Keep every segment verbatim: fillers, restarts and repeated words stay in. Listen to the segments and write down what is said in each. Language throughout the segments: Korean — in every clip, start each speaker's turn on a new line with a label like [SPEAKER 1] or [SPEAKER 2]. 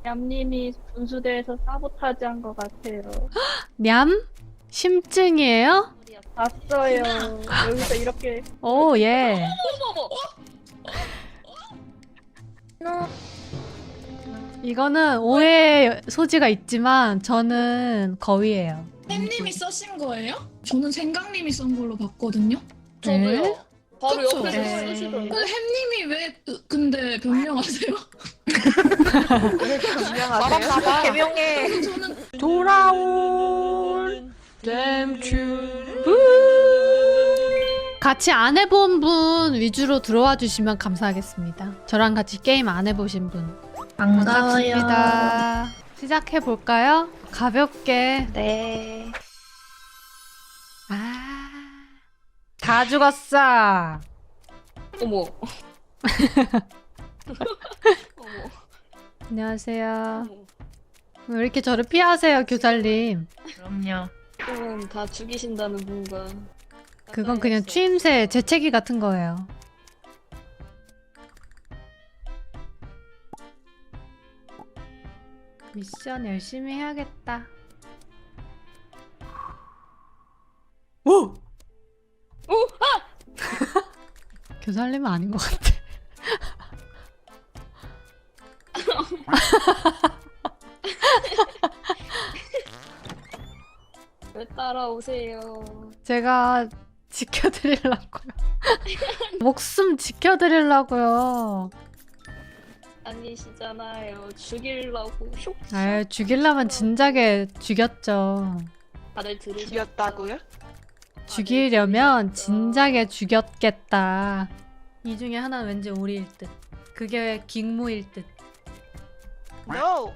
[SPEAKER 1] 얌님이 분수대에서 사보타지 한 것 같아요.
[SPEAKER 2] 냠? 심증이에요?
[SPEAKER 1] 봤어요. 여기서 이렇게.
[SPEAKER 2] 오, 예. 이거는 오해의 소지가 있지만 저는 거위예요.
[SPEAKER 3] 햄님이 써신 거예요? 저는 생강님이 쓴 걸로 봤거든요.
[SPEAKER 2] 네?
[SPEAKER 4] 저도요. 바로
[SPEAKER 3] 그쵸?
[SPEAKER 4] 옆에서
[SPEAKER 2] 네.
[SPEAKER 4] 쓰시던데.
[SPEAKER 3] 근데 햄님이 왜 그- 근데 변명하세요?
[SPEAKER 4] 알았나봐. 개명해.
[SPEAKER 3] 저는
[SPEAKER 2] 돌아온 댐튜 같이 안 해본 분 위주로 들어와 주시면 감사하겠습니다. 저랑 같이 게임 안 해보신 분 반갑습니다. 시작해 볼까요? 가볍게.
[SPEAKER 4] 네.
[SPEAKER 2] 아, 다 죽었어.
[SPEAKER 4] 어머. 어머.
[SPEAKER 2] 안녕하세요.
[SPEAKER 4] 어머.
[SPEAKER 2] 왜 이렇게 저를 피하세요, 교살님?
[SPEAKER 4] 그럼요. 그럼 다 죽이신다는 분과.
[SPEAKER 2] 그건 그냥 추임새, 재채기 같은 거예요. 미션 열심히 해야겠다. 오!
[SPEAKER 4] 오!
[SPEAKER 2] 아! 교살님은 아닌 것 같아.
[SPEAKER 4] 왜 따라오세요?
[SPEAKER 2] 제가 지켜드리려고요. 목숨 지켜드리려고요.
[SPEAKER 4] 아니시잖아요. 죽이려고 슉.
[SPEAKER 2] 아, 죽이려면 진작에 죽였죠.
[SPEAKER 4] 다들 들으셨죠?
[SPEAKER 5] 죽였다고요?
[SPEAKER 2] 죽이려면 진작에 죽였겠다. 이 중에 하나는 왠지 우리일 듯. 그게 긱무일 듯.
[SPEAKER 5] No!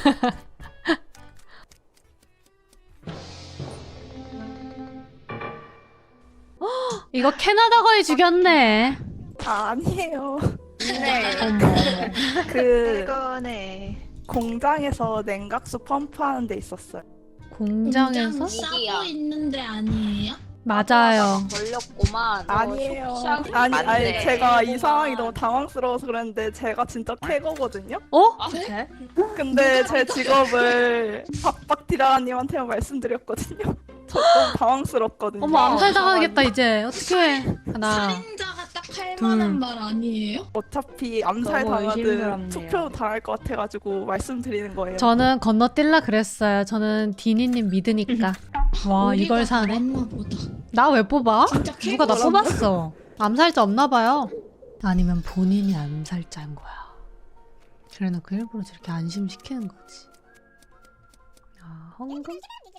[SPEAKER 2] 이거 캐나다 거의 죽였네.
[SPEAKER 6] 아, 아니에요.
[SPEAKER 4] 네.
[SPEAKER 6] 그
[SPEAKER 5] 이거네.
[SPEAKER 6] 공장에서 냉각수 펌프하는 데 있었어요.
[SPEAKER 2] 공장에서?
[SPEAKER 3] 공장 싸고 있는데 아니에요?
[SPEAKER 2] 맞아요.
[SPEAKER 4] 걸렸구만.
[SPEAKER 6] 아니에요.
[SPEAKER 4] 어, 슉
[SPEAKER 6] 아니, 아니
[SPEAKER 5] 맞네.
[SPEAKER 6] 제가 이
[SPEAKER 4] 그거구만.
[SPEAKER 6] 상황이 너무 당황스러워서 그랬는데 제가 진짜 캐거거든요.
[SPEAKER 2] 어?
[SPEAKER 4] 아, 네?
[SPEAKER 6] 근데 제 직업을 박박디라님한테만 말씀드렸거든요. 저 너무 당황스럽거든요.
[SPEAKER 2] 어머, 암살 당하겠다 이제. 어떡해. 하나.
[SPEAKER 3] 살인자가 딱 할
[SPEAKER 2] 둘.
[SPEAKER 3] 만한 말 아니에요?
[SPEAKER 6] 어차피 암살
[SPEAKER 4] 너무
[SPEAKER 6] 당하든
[SPEAKER 4] 의심스럽네요.
[SPEAKER 6] 투표 당할 것 같아가지고 말씀드리는 거예요.
[SPEAKER 2] 저는 건너뛸라 그랬어요. 저는 디니님 믿으니까. 와,
[SPEAKER 3] 우리가
[SPEAKER 2] 이걸 사네.
[SPEAKER 3] 잘했나 보다.
[SPEAKER 2] 나 왜 뽑아?
[SPEAKER 3] 진짜
[SPEAKER 2] 누가 나
[SPEAKER 6] 캐거라고?
[SPEAKER 2] 뽑았어. 암살자 없나 봐요. 아니면 본인이 암살자인 거야. 그래놓고 일부러 저렇게 안심시키는 거지. 아, 헝금?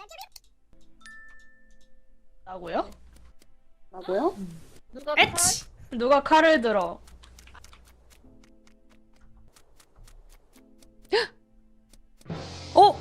[SPEAKER 1] 나고요?
[SPEAKER 5] 나고요?
[SPEAKER 4] 누가
[SPEAKER 1] 에치! 누가 칼을 들어?
[SPEAKER 2] 어?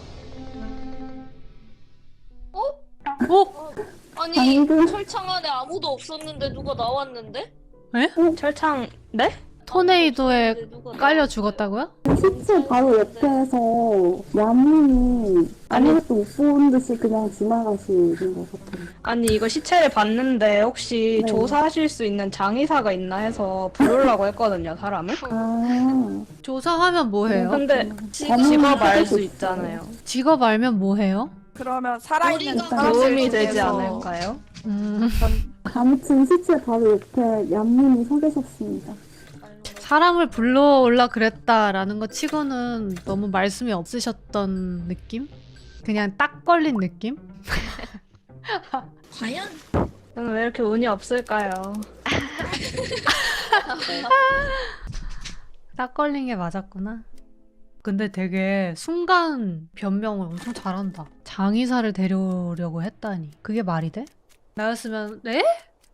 [SPEAKER 4] 어?
[SPEAKER 2] 어?
[SPEAKER 4] 아니 철창 안에 아무도 없었는데 누가 나왔는데?
[SPEAKER 1] 철창, 네?
[SPEAKER 2] 토네이도에
[SPEAKER 4] 근데 누가
[SPEAKER 2] 깔려
[SPEAKER 4] 나왔어요?
[SPEAKER 2] 죽었다고요?
[SPEAKER 7] 시체 바로 옆에서 얌님이 아무것도 못 본 듯이 그냥 지나가시는 것 같아요.
[SPEAKER 1] 아니 이거 시체를 봤는데 혹시
[SPEAKER 7] 네.
[SPEAKER 1] 조사하실 수 있는 장의사가 있나 해서 부르려고 했거든요, 사람을.
[SPEAKER 7] 아,
[SPEAKER 2] 조사하면 뭐해요?
[SPEAKER 1] 근데
[SPEAKER 7] 저는
[SPEAKER 1] 직업 알 수
[SPEAKER 7] 하고
[SPEAKER 1] 있잖아요.
[SPEAKER 2] 직업 알면 뭐해요?
[SPEAKER 6] 그러면 살아있는
[SPEAKER 3] 우리가
[SPEAKER 6] 사람들
[SPEAKER 1] 도움이 되지
[SPEAKER 6] 중에서
[SPEAKER 1] 않을까요?
[SPEAKER 2] 음,
[SPEAKER 7] 아무튼 시체 바로 옆에 얌님이 서 계셨습니다.
[SPEAKER 2] 사람을 불러올라 그랬다라는 것 치고는 너무 말씀이 없으셨던 느낌? 그냥 딱 걸린 느낌?
[SPEAKER 3] 과연?
[SPEAKER 1] 저는 왜 이렇게 운이 없을까요?
[SPEAKER 2] 딱 걸린 게 맞았구나. 근데 되게 순간 변명을 엄청 잘한다. 장의사를 데려오려고 했다니. 그게 말이 돼? 나였으면 네?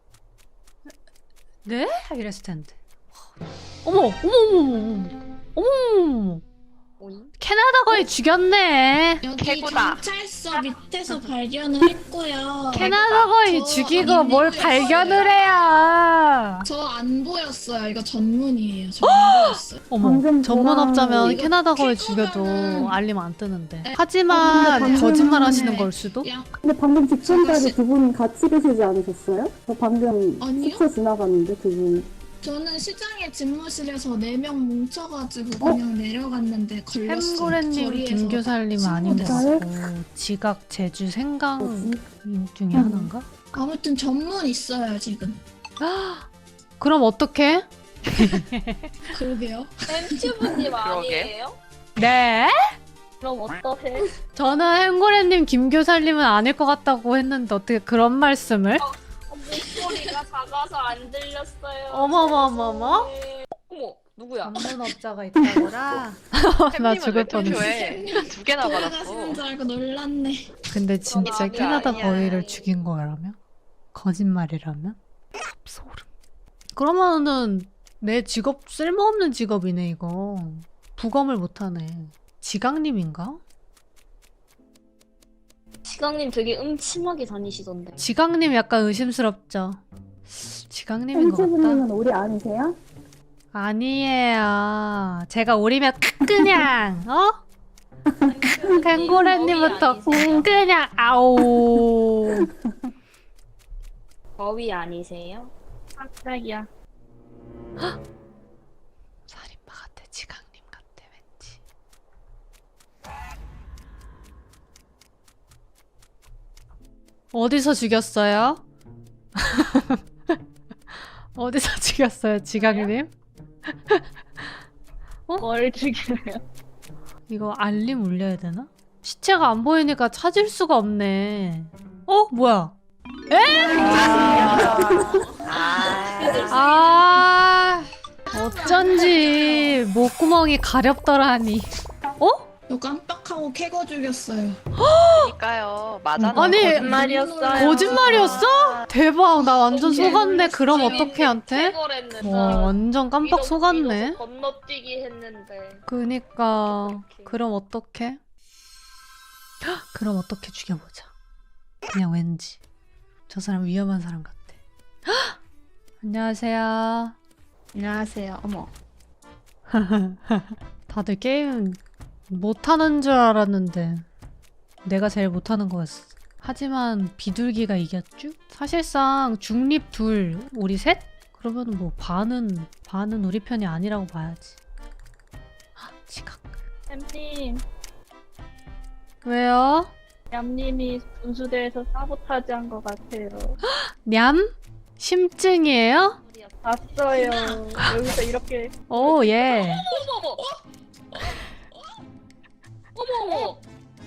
[SPEAKER 2] 네? 이랬을 텐데. 어머! 어머! 어머! 어머! 어머!
[SPEAKER 4] 오잉?
[SPEAKER 2] 캐나다 거의 죽였네.
[SPEAKER 3] 여기
[SPEAKER 5] 개구다.
[SPEAKER 3] 경찰서 밑에서 발견을 했고요.
[SPEAKER 2] 캐나다 거의
[SPEAKER 3] 저
[SPEAKER 2] 죽이고
[SPEAKER 3] 아닌데
[SPEAKER 2] 뭘
[SPEAKER 3] 이거
[SPEAKER 2] 발견을 해야.
[SPEAKER 3] 저 안 보였어요. 이거 전문이에요. 저 안 보였어요.
[SPEAKER 2] 어머,
[SPEAKER 7] 방금
[SPEAKER 2] 전문업자면
[SPEAKER 3] 이거
[SPEAKER 2] 캐나다 거의
[SPEAKER 3] 캐거면은-
[SPEAKER 2] 죽여도 알림 안 뜨는데.
[SPEAKER 3] 에,
[SPEAKER 2] 하지만
[SPEAKER 7] 어, 근데 방금-
[SPEAKER 2] 거짓말 하시는 걸 수도?
[SPEAKER 3] 야,
[SPEAKER 7] 근데 방금 직전까지
[SPEAKER 3] 저거 시-
[SPEAKER 7] 두 분 같이 계시지 않으셨어요? 저 방금
[SPEAKER 3] 아니요?
[SPEAKER 7] 시체 지나갔는데 두 분.
[SPEAKER 3] 저는 시장의 집무실에서 네 명 뭉쳐가지고 그냥 내려갔는데 걸렸어요.
[SPEAKER 2] 햄고래님,
[SPEAKER 3] 거리에서
[SPEAKER 2] 김교살님 아닌 것
[SPEAKER 3] 친구들.
[SPEAKER 2] 같고 지각, 제주, 생강
[SPEAKER 7] 뭐지?
[SPEAKER 2] 중에 하나인가?
[SPEAKER 3] 아무튼 전문 있어요 지금.
[SPEAKER 2] 그럼 어떡해?
[SPEAKER 3] 그러게요.
[SPEAKER 4] 엠튜브님
[SPEAKER 5] 그러게.
[SPEAKER 4] 아니에요?
[SPEAKER 2] 네?
[SPEAKER 4] 그럼 어떠해?
[SPEAKER 2] 저는 햄고래님, 김교살님은 아닐 것 같다고 했는데 어떻게 그런 말씀을?
[SPEAKER 4] 어, 목소리가 작아서 안 들렸어요.
[SPEAKER 2] 어머머머머?
[SPEAKER 4] 죄송해요. 어머, 누구야?
[SPEAKER 2] 전문업자가 있다더라? 나 죽을 뻔했어.
[SPEAKER 5] 두 개나 받았어.
[SPEAKER 3] 돌아가시는 줄 알고 놀랐네.
[SPEAKER 2] 근데 진짜
[SPEAKER 5] 아니야,
[SPEAKER 2] 캐나다
[SPEAKER 5] 아니야.
[SPEAKER 2] 거위를 죽인 거라며? 거짓말이라면? 소름. 그러면은 내 직업 쓸모없는 직업이네 이거. 부검을 못하네. 지강님인가?
[SPEAKER 4] 시강님 되게 음침하게 다니시던데.
[SPEAKER 2] 지강님 약간 의심스럽죠? 지강님인 것 같다.
[SPEAKER 7] 햄치부님은 우리 아니세요?
[SPEAKER 2] 아니에요. 제가 오리면 그냥 어? 캥고래님부터 그냥 아오.
[SPEAKER 4] 거위 아니세요? 깜짝이야.
[SPEAKER 2] 살인마 같아. 지강님 같아 왠지. 어디서 죽였어요? 어디서 죽였어요, 지강님?
[SPEAKER 4] 뭘 죽여요?
[SPEAKER 2] 이거 알림 울려야 되나? 시체가 안 보이니까 찾을 수가 없네. 어? 뭐야? 아, 어쩐지 목구멍이 가렵더라니. 어?
[SPEAKER 3] 저 깜빡하고 캐거 죽였어요.
[SPEAKER 5] 그러니까요. 맞아.
[SPEAKER 2] 아니,
[SPEAKER 4] 거짓말이었어요.
[SPEAKER 2] 거짓말이었어? 대박, 나 완전 속았네. 그럼 어떻게 한테?
[SPEAKER 4] 해골했는데.
[SPEAKER 2] 와, 완전 깜빡 속았네.
[SPEAKER 4] 건너뛰기 했는데.
[SPEAKER 2] 그니까 그럼 어떡해? 헉, 그럼 어떻게 죽여보자. 그냥 왠지 저 사람 위험한 사람 같아. 헉! 안녕하세요.
[SPEAKER 1] 안녕하세요. 어머.
[SPEAKER 2] 다들 게임 못하는 줄 알았는데 내가 제일 못하는 거였어. 하지만 비둘기가 이겼죠? 사실상 중립 둘, 우리 셋? 그러면 뭐 반은 반은 우리 편이 아니라고 봐야지. 헉, 지각.
[SPEAKER 4] 햄님,
[SPEAKER 2] 왜요?
[SPEAKER 4] 얌님이 분수대에서 사보타지 한 것 같아요.
[SPEAKER 2] 냠? 심증이에요?
[SPEAKER 4] 봤어요. 여기서 이렇게.
[SPEAKER 2] 오, 예.
[SPEAKER 4] 어머머! 어머머!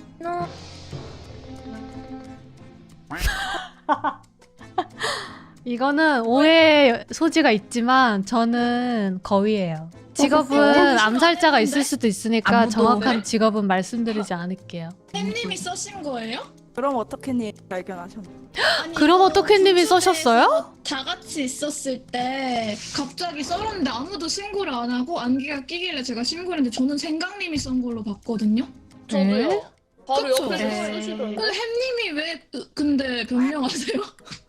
[SPEAKER 2] 이거는 오해의 소지가 있지만 저는 거위예요. 직업은 암살자가 있을 수도 있으니까 정확한 직업은 말씀드리지 않을게요.
[SPEAKER 3] 햄님이 써신 거예요?
[SPEAKER 6] 그럼 어떻게 님 발견하셨나요?
[SPEAKER 3] 아니,
[SPEAKER 2] 그럼
[SPEAKER 3] 이거
[SPEAKER 2] 어떻게 님이
[SPEAKER 3] 분수대에서
[SPEAKER 2] 써셨어요?
[SPEAKER 3] 다 같이 있었을 때 갑자기 썰었는데 아무도 신고를 안 하고 안개가 끼길래 제가 신고를 했는데 저는 생강님이 썬 걸로 봤거든요.
[SPEAKER 4] 저도요. 바로
[SPEAKER 3] 그쵸?
[SPEAKER 4] 옆에서
[SPEAKER 1] 네.
[SPEAKER 4] 쓰시던데.
[SPEAKER 3] 근데 햄님이 왜 으, 근데 변명하세요?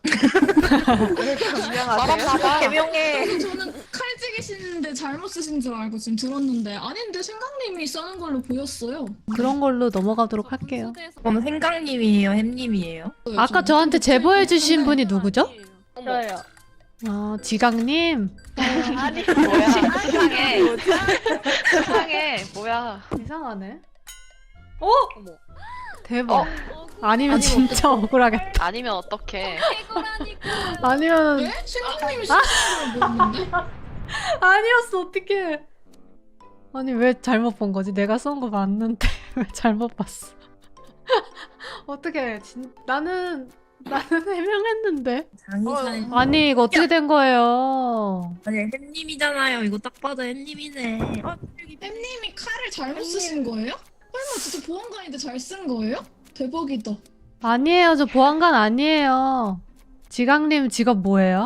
[SPEAKER 5] 봐봐.
[SPEAKER 6] 개명해.
[SPEAKER 3] 그래서 저는 칼찌기시는데 잘못 쓰신 줄 알고 지금 들었는데 아닌데 생강님이 써는 걸로 보였어요.
[SPEAKER 2] 그런 걸로 넘어가도록 할게요.
[SPEAKER 8] 그럼 생강님이에요, 햄님이에요?
[SPEAKER 2] 아까 저한테 제보해주신 분이 누구죠?
[SPEAKER 4] 저요.
[SPEAKER 2] 아, 지강님.
[SPEAKER 5] 아니 뭐야? 세상에. 세상에 뭐야?
[SPEAKER 2] 이상하네. 어?
[SPEAKER 4] 어머.
[SPEAKER 2] 대박.
[SPEAKER 5] 어?
[SPEAKER 2] 아니면 진짜 억울하겠다.
[SPEAKER 5] 아니면 어떡해?
[SPEAKER 2] 아니면
[SPEAKER 3] 네? 생강님이 쓰신 걸로 보였는데?
[SPEAKER 2] 아니었어. 어떡해. 아니 왜 잘못 본 거지? 내가 쏜 거 맞는데 왜 잘못 봤어? 어떡해. 진... 나는 나는 해명했는데.
[SPEAKER 8] 장이사님.
[SPEAKER 2] 아니 이거 어떻게 된 거예요?
[SPEAKER 8] 아니, 햄님이잖아요. 이거 딱 봐도 햄님이네. 어, 여기
[SPEAKER 3] 햄님이 칼을 잘못 쓰신 거예요? 설마 진짜 보안관인데 잘 쓴 거예요? 대박이다.
[SPEAKER 2] 아니에요. 저 보안관 아니에요. 지강님 직업 뭐예요?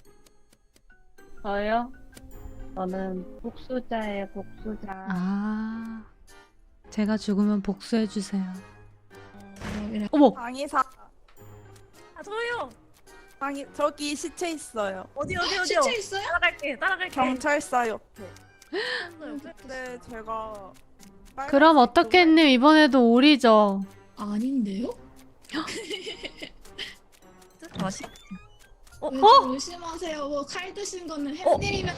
[SPEAKER 4] 저요? 저는 복수자예요, 복수자.
[SPEAKER 2] 아, 제가 죽으면 복수해 주세요.
[SPEAKER 3] 대박이라.
[SPEAKER 2] 어머,
[SPEAKER 6] 장의사.
[SPEAKER 8] 아, 저요.
[SPEAKER 6] 장이 저기 시체 있어요.
[SPEAKER 8] 어디, 어디, 어디요?
[SPEAKER 3] 시체 있어요?
[SPEAKER 8] 따라갈게, 따라갈게.
[SPEAKER 6] 경찰서 옆에. 근데 제가
[SPEAKER 2] 그럼 어떻게님 이번에도 오리죠?
[SPEAKER 3] 아닌데요?
[SPEAKER 8] 다시?
[SPEAKER 3] 어? 어? 의심하세요. 뭐 칼 드신 거는 햄님이면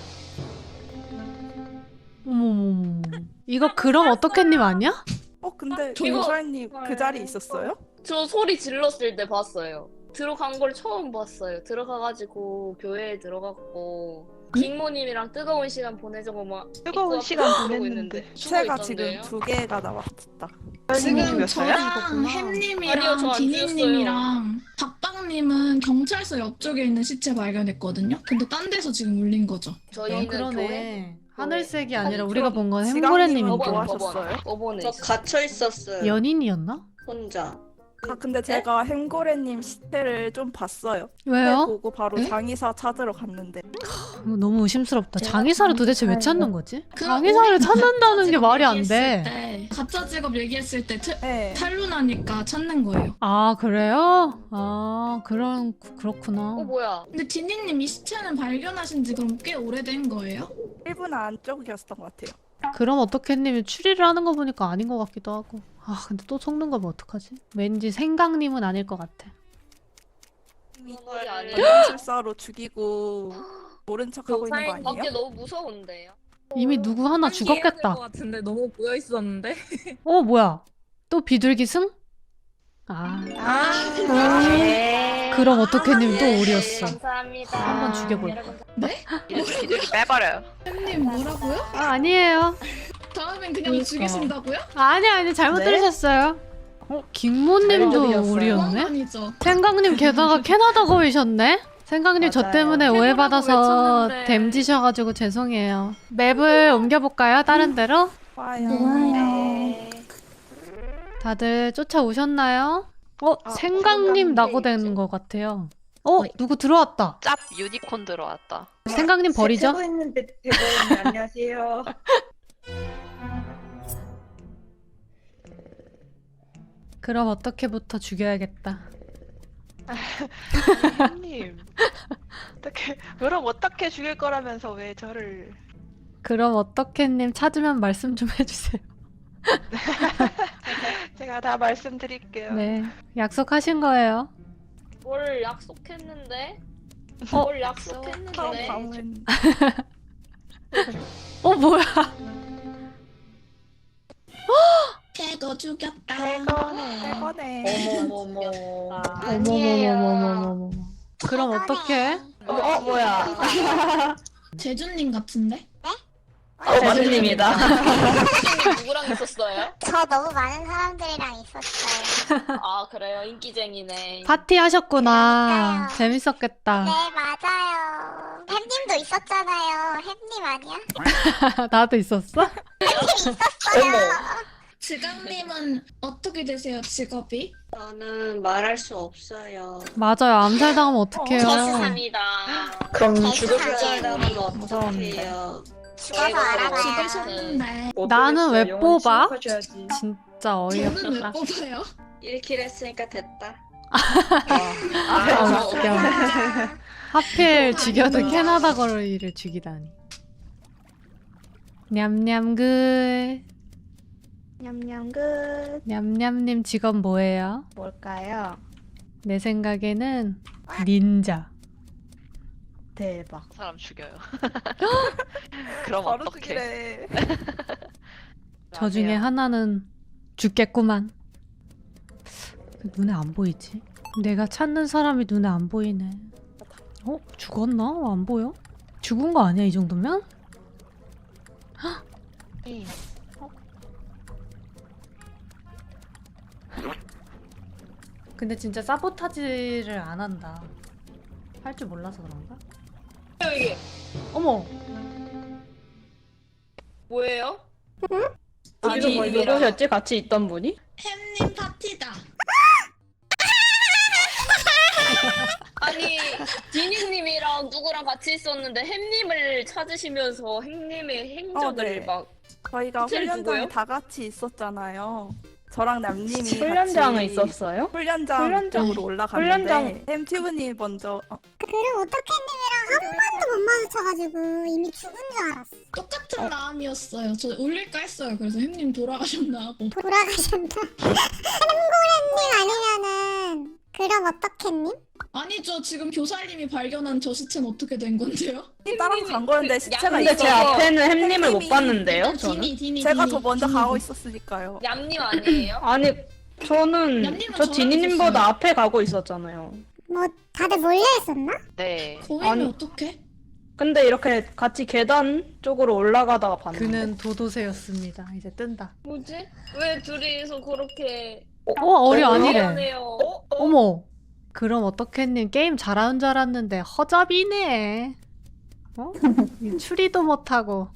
[SPEAKER 2] 어머머머. 이거 그럼 어떻게님 아니야?
[SPEAKER 6] 어 근데
[SPEAKER 3] 이거-
[SPEAKER 6] 용설님 그 자리에 있었어요?
[SPEAKER 4] 저 소리 질렀을 때 봤어요. 들어간 걸 처음 봤어요. 들어가가지고 교회에 들어갔고 빅모님이랑 뜨거운 시간 보내자고 막
[SPEAKER 5] 뜨거운
[SPEAKER 4] 입구
[SPEAKER 5] 시간
[SPEAKER 4] 앞에 그러고
[SPEAKER 5] 보냈는데.
[SPEAKER 4] 있는데 죽어
[SPEAKER 6] 제가
[SPEAKER 4] 있던데요?
[SPEAKER 6] 지금 두 개가 나왔다.
[SPEAKER 3] 지금
[SPEAKER 5] 죽였어요?
[SPEAKER 3] 저랑
[SPEAKER 4] 아니요,
[SPEAKER 3] 햄님이랑
[SPEAKER 4] 저안
[SPEAKER 3] 디니님이랑 박박님은 경찰서 옆쪽에 있는 시체 발견했거든요. 근데 딴 데서 지금 울린 거죠.
[SPEAKER 2] 아,
[SPEAKER 4] 저희는 교회
[SPEAKER 2] 그러네. 하늘색이 아니라
[SPEAKER 4] 아니,
[SPEAKER 2] 우리가 본 건
[SPEAKER 6] 지강님은
[SPEAKER 2] 햄고래님인데.
[SPEAKER 6] 뭐
[SPEAKER 4] 법원
[SPEAKER 6] 하셨어요?
[SPEAKER 4] 법원 법원에
[SPEAKER 9] 저
[SPEAKER 4] 있어요.
[SPEAKER 9] 갇혀 있었어요.
[SPEAKER 2] 연인이었나?
[SPEAKER 9] 혼자.
[SPEAKER 6] 아 근데 제가 햄고래님 시체를 좀 봤어요.
[SPEAKER 2] 왜요?
[SPEAKER 6] 보고 바로
[SPEAKER 3] 네?
[SPEAKER 6] 장의사 찾으러 갔는데
[SPEAKER 2] 이거 너무 의심스럽다. 장의사를 도대체 왜 찾는 거지?
[SPEAKER 3] 그
[SPEAKER 2] 장의사를
[SPEAKER 3] 우리
[SPEAKER 2] 찾는다는 게
[SPEAKER 3] 직업
[SPEAKER 2] 말이 안
[SPEAKER 3] 얘기했을
[SPEAKER 2] 돼.
[SPEAKER 3] 때, 가짜 직업 얘기했을 때 트,
[SPEAKER 6] 네.
[SPEAKER 3] 탈루나니까 찾는 거예요.
[SPEAKER 2] 아 그래요? 아 그런 그렇구나.
[SPEAKER 4] 어 뭐야?
[SPEAKER 3] 근데 디니님 이 시체는 발견하신 지 그럼 꽤 오래된 거예요?
[SPEAKER 6] 일 분 안쪽이었던 것 같아요.
[SPEAKER 2] 그럼 어떻게님이 추리를 하는 거 보니까 아닌 것 같기도 하고. 아 근데 또 속는 거면 어떡하지? 왠지 생강님은 아닐 것 같아.
[SPEAKER 4] 이걸 아니에요?
[SPEAKER 6] 연출사로 죽이고 모른 척하고 있는 거
[SPEAKER 4] 사인 밖에
[SPEAKER 6] 아니에요?
[SPEAKER 4] 너무 무서운데요.
[SPEAKER 2] 이미 누구 하나 죽었겠다.
[SPEAKER 8] 것 같은데 너무 보여 있었는데.
[SPEAKER 2] 어 뭐야? 또 비둘기 승? 아 그럼 어떻게님 또 오리였어.
[SPEAKER 4] 감사합니다.
[SPEAKER 2] 한번 죽여볼까?
[SPEAKER 5] 비둘기 빼버려요.
[SPEAKER 3] 햄님 뭐라고요?
[SPEAKER 2] 아 아니에요.
[SPEAKER 3] 다음엔 그냥 죽이신다고요?
[SPEAKER 2] 아니 아니 잘못
[SPEAKER 6] 네?
[SPEAKER 2] 들으셨어요. 어 김모님도
[SPEAKER 1] 들렸어요.
[SPEAKER 2] 오리였네.
[SPEAKER 3] 아니죠.
[SPEAKER 2] 생강님 게다가 캐나다 거이셨네? 생강님 저
[SPEAKER 1] 맞아요.
[SPEAKER 2] 때문에
[SPEAKER 8] 캐나다고
[SPEAKER 2] 오해받아서
[SPEAKER 8] 외쳤는데.
[SPEAKER 2] 댐지셔가지고 죄송해요. 맵을 옮겨볼까요? 다른 데로?
[SPEAKER 6] 좋아요.
[SPEAKER 7] 좋아요.
[SPEAKER 2] 다들 쫓아오셨나요? 어?
[SPEAKER 5] 아,
[SPEAKER 2] 생강님 낙오된 것 같아요. 어? 누구 들어왔다.
[SPEAKER 5] 짭 유니콘 들어왔다.
[SPEAKER 2] 생강님 버리죠?
[SPEAKER 9] 세고 있는데 대보님 안녕하세요.
[SPEAKER 2] 그럼 어떻게부터 죽여야겠다.
[SPEAKER 5] 님 어떻게 그럼 어떻게 죽일 거라면서 왜 저를?
[SPEAKER 2] 그럼 어떻게님 찾으면 말씀 좀 해주세요.
[SPEAKER 5] 제가 다 말씀드릴게요.
[SPEAKER 2] 네. 약속하신 거예요.
[SPEAKER 4] 뭘 약속했는데?
[SPEAKER 2] 어?
[SPEAKER 4] 뭘
[SPEAKER 6] 다음
[SPEAKER 4] 약속했는데?
[SPEAKER 6] 다음은
[SPEAKER 2] 어 뭐야?
[SPEAKER 3] 캐거 죽였다.
[SPEAKER 6] 새거네.
[SPEAKER 9] 어머머머.
[SPEAKER 2] 어머머머머머머머. 그럼 어떡해?
[SPEAKER 1] 어 뭐야?
[SPEAKER 3] 제주님 같은데?
[SPEAKER 1] 어, 제주님이다.
[SPEAKER 4] 혹시 누구랑 있었어요?
[SPEAKER 10] 저 너무 많은 사람들이랑 있었어요.
[SPEAKER 4] 아 그래요? 인기쟁이네.
[SPEAKER 2] 파티 하셨구나.
[SPEAKER 10] 그러니까요.
[SPEAKER 2] 재밌었겠다.
[SPEAKER 10] 네, 맞아요. 햄님도 있었잖아요. 햄님 아니야?
[SPEAKER 2] 나도 있었어?
[SPEAKER 3] 지강님은 어떻게 되세요, 직업이?
[SPEAKER 9] 저는 말할 수 없어요.
[SPEAKER 2] 맞아요. 암살당하면 어떡해요.
[SPEAKER 4] 죄송합니다.
[SPEAKER 1] 그럼
[SPEAKER 10] 죽을
[SPEAKER 9] 사람은
[SPEAKER 1] 무서운데.
[SPEAKER 9] 어떡해요.
[SPEAKER 10] 죽어서 알아봐요.
[SPEAKER 3] 죽으셨는데
[SPEAKER 2] 나는 왜 뽑아?
[SPEAKER 1] 지
[SPEAKER 2] 진짜
[SPEAKER 3] 저는 왜
[SPEAKER 2] 어이없다.
[SPEAKER 3] 뽑아요?
[SPEAKER 9] 일 킬 했으니까 됐다.
[SPEAKER 2] 아, 웃겨. 하필 죽여도 캐나다 거리를 죽이다니. 냠냠 굿.
[SPEAKER 1] 냠냠 끝.
[SPEAKER 2] 냠냠님 직업 뭐예요?
[SPEAKER 1] 뭘까요?
[SPEAKER 2] 내 생각에는 닌자.
[SPEAKER 1] 대박.
[SPEAKER 5] 사람 죽여요. 그럼
[SPEAKER 6] 바로
[SPEAKER 5] 어떡해?
[SPEAKER 6] 죽이래.
[SPEAKER 2] 저 중에 하나는 죽겠구만. 눈에 안 보이지? 내가 찾는 사람이 눈에 안 보이네. 어? 죽었나? 어, 안 보여? 죽은 거 아니야 이 정도면?
[SPEAKER 5] 응.
[SPEAKER 2] 근데 진짜 사보타지를 안 한다. 할 줄 몰라서 그런가?
[SPEAKER 4] 이게
[SPEAKER 2] 어머!
[SPEAKER 4] 뭐예요?
[SPEAKER 1] 여기서 뭐 누구셨지? 같이 있던 분이?
[SPEAKER 3] 햄님 파티다.
[SPEAKER 4] 아니 디니님이랑 누구랑 같이 있었는데 햄님을 찾으시면서 햄님의 행적을
[SPEAKER 6] 어, 네.
[SPEAKER 4] 막
[SPEAKER 6] 저희가
[SPEAKER 4] 호텔
[SPEAKER 6] 훈련장에
[SPEAKER 4] 누구요?
[SPEAKER 6] 다 같이 있었잖아요. 저랑 남님이
[SPEAKER 1] 훈련장에
[SPEAKER 6] 같이
[SPEAKER 1] 있었어요?
[SPEAKER 6] 훈련장
[SPEAKER 1] 훈련장-
[SPEAKER 6] 쪽으로 올라갔는데
[SPEAKER 1] 훈련장-
[SPEAKER 6] 햄튜브님이 먼저 어,
[SPEAKER 10] 그럼 어떻게님이랑 한 번도 못 마주쳐가지고 이미 죽은 줄 알았어.
[SPEAKER 3] 똑같은 마음이었어요. 저 올릴까 했어요. 그래서 햄님 돌아가셨나 하고.
[SPEAKER 10] 돌아가셨나? 햄고래님 아니면은 그럼 어떻게님?
[SPEAKER 3] 아니죠. 지금 교사님이 발견한 저 시체는 어떻게 된 건데요?
[SPEAKER 6] 따라서 간 거였는데 시체가
[SPEAKER 1] 근데 제
[SPEAKER 6] 있어서
[SPEAKER 1] 앞에는 햄님을 못 봤는데요,
[SPEAKER 3] 디니,
[SPEAKER 1] 저는.
[SPEAKER 3] 디니,
[SPEAKER 6] 제가
[SPEAKER 3] 디니,
[SPEAKER 6] 더 먼저
[SPEAKER 3] 디니.
[SPEAKER 6] 가고 있었으니까요.
[SPEAKER 4] 얌님 아니에요?
[SPEAKER 1] 아니, 저는
[SPEAKER 3] 얌님은
[SPEAKER 1] 저
[SPEAKER 3] 저랑
[SPEAKER 1] 디니님보다
[SPEAKER 3] 있었어요.
[SPEAKER 1] 앞에 가고 있었잖아요.
[SPEAKER 10] 뭐 다들 몰려 있었나?
[SPEAKER 5] 네.
[SPEAKER 3] 거의면
[SPEAKER 1] 아니.
[SPEAKER 3] 어떡해?
[SPEAKER 1] 근데 이렇게 같이 계단 쪽으로 올라가다가 봤는데.
[SPEAKER 2] 그는 도도새였습니다. 이제 뜬다.
[SPEAKER 4] 뭐지? 왜 둘이서 그렇게
[SPEAKER 2] 어 어려 아니래.
[SPEAKER 4] 미안해요.
[SPEAKER 2] 어머. 그럼 어떻게님 게임 잘하는 줄 알았는데 허접이네. 어? 추리도 못하고.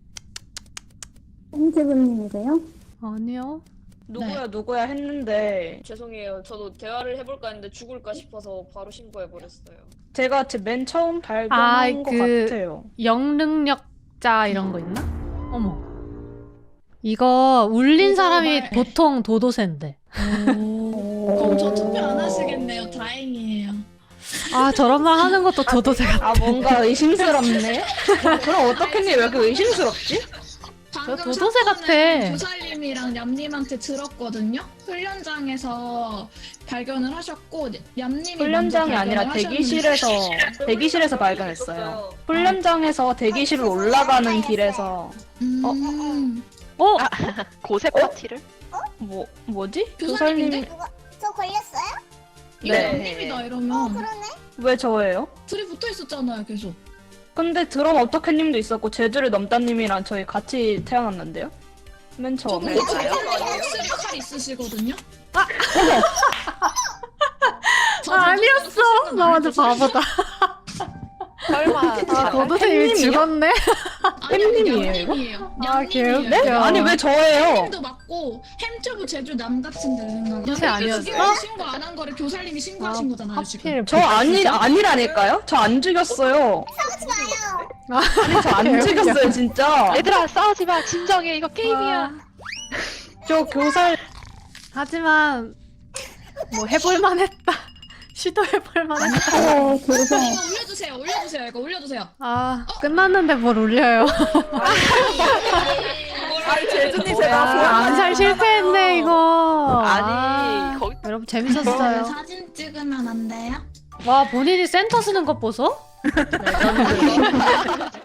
[SPEAKER 7] 홍지부님이세요?
[SPEAKER 2] 아니요.
[SPEAKER 1] 누구야 누구야 했는데
[SPEAKER 4] 죄송해요. 저도 대화를 해볼까 했는데 죽을까 싶어서 바로 신고해버렸어요.
[SPEAKER 1] 제가 제 맨 처음 발견한
[SPEAKER 2] 아,
[SPEAKER 1] 것
[SPEAKER 2] 그-
[SPEAKER 1] 같아요.
[SPEAKER 2] 영능력자 이런 거 있나? 어머. 이거 울린
[SPEAKER 3] 이거
[SPEAKER 2] 사람이
[SPEAKER 3] 말-
[SPEAKER 2] 보통 도도새인데.
[SPEAKER 3] 그럼 저 투표 안 하시겠네요. 다행이에요.
[SPEAKER 2] 아 저런 말 하는 것도 도도새 같아.
[SPEAKER 1] 아 뭔가 의심스럽네. 그럼 어떻게님 왜 이렇게 의심스럽지?
[SPEAKER 3] 방금
[SPEAKER 2] 도도새
[SPEAKER 3] 사건은
[SPEAKER 2] 같아.
[SPEAKER 3] 교사님이랑 냠님한테 들었거든요. 훈련장에서 발견을 하셨고 냠님이
[SPEAKER 1] 훈련장이
[SPEAKER 3] 먼저
[SPEAKER 1] 아니라
[SPEAKER 3] 발견을
[SPEAKER 1] 대기실에서
[SPEAKER 3] 하셨는데-
[SPEAKER 1] 대기실에서 발견했어요. 훈련장에서 대기실로 올라가는 길에서
[SPEAKER 3] 음,
[SPEAKER 2] 어?
[SPEAKER 5] 고세 파티를?
[SPEAKER 1] 뭐 뭐지?
[SPEAKER 3] 교사님인데?
[SPEAKER 1] 교사님
[SPEAKER 10] 저 걸렸어요?
[SPEAKER 3] 이거
[SPEAKER 1] 네.
[SPEAKER 3] 냠님이다 이러면
[SPEAKER 10] 그러네.
[SPEAKER 1] 왜 저예요?
[SPEAKER 3] 둘이 붙어 있었잖아요, 계속.
[SPEAKER 1] 근데 드럼 어떻게님도 있었고 제주를 넘다님이랑 저희 같이 태어났는데요? 맨
[SPEAKER 3] 저
[SPEAKER 1] 처음에.
[SPEAKER 3] 근데 지금 확실히 칼 있으시거든요.
[SPEAKER 2] 아
[SPEAKER 3] 저
[SPEAKER 2] 아니었어. 나 완전 바보다.
[SPEAKER 5] 설마
[SPEAKER 2] 아 도도새 이미
[SPEAKER 1] 햄님이요?
[SPEAKER 2] 죽었네.
[SPEAKER 1] 햄님이에요, 이거?
[SPEAKER 3] 냠님이에요.
[SPEAKER 2] 아,
[SPEAKER 3] 냠님이에요.
[SPEAKER 2] 개웃겨.
[SPEAKER 1] 네? 아니 왜 저예요?
[SPEAKER 3] 햄도 맞고 햄튜브 제주 남 같은데 생각.
[SPEAKER 2] 도대체 아니었어?
[SPEAKER 3] 신고 안 한 거를 교사님이 신고하신 거잖아요 지금.
[SPEAKER 2] 하필
[SPEAKER 1] 저 아니 아니라니까요? 저 안 죽였어요. 아니 저 안 죽였어요 진짜.
[SPEAKER 5] 얘들아 싸우지 마. 진정해. 이거 게임이야.
[SPEAKER 1] 저 교살
[SPEAKER 2] 하지만 뭐 해볼만 했다. 시도해볼만 했다.
[SPEAKER 7] 어, 그래서
[SPEAKER 3] 이거 올려주세요. 올려주세요. 이거 올려주세요.
[SPEAKER 2] 아 끝났는데 뭘 올려요.
[SPEAKER 6] 아니 제주님
[SPEAKER 1] 뭐야.
[SPEAKER 6] 제가
[SPEAKER 2] 아, 암살 실패했네 이거.
[SPEAKER 5] 아니
[SPEAKER 2] 아,
[SPEAKER 5] 거기
[SPEAKER 2] 여러분 재밌었어요.
[SPEAKER 3] 사진 찍으면 안 돼요?
[SPEAKER 2] 와 본인이 센터 쓰는 것 보소?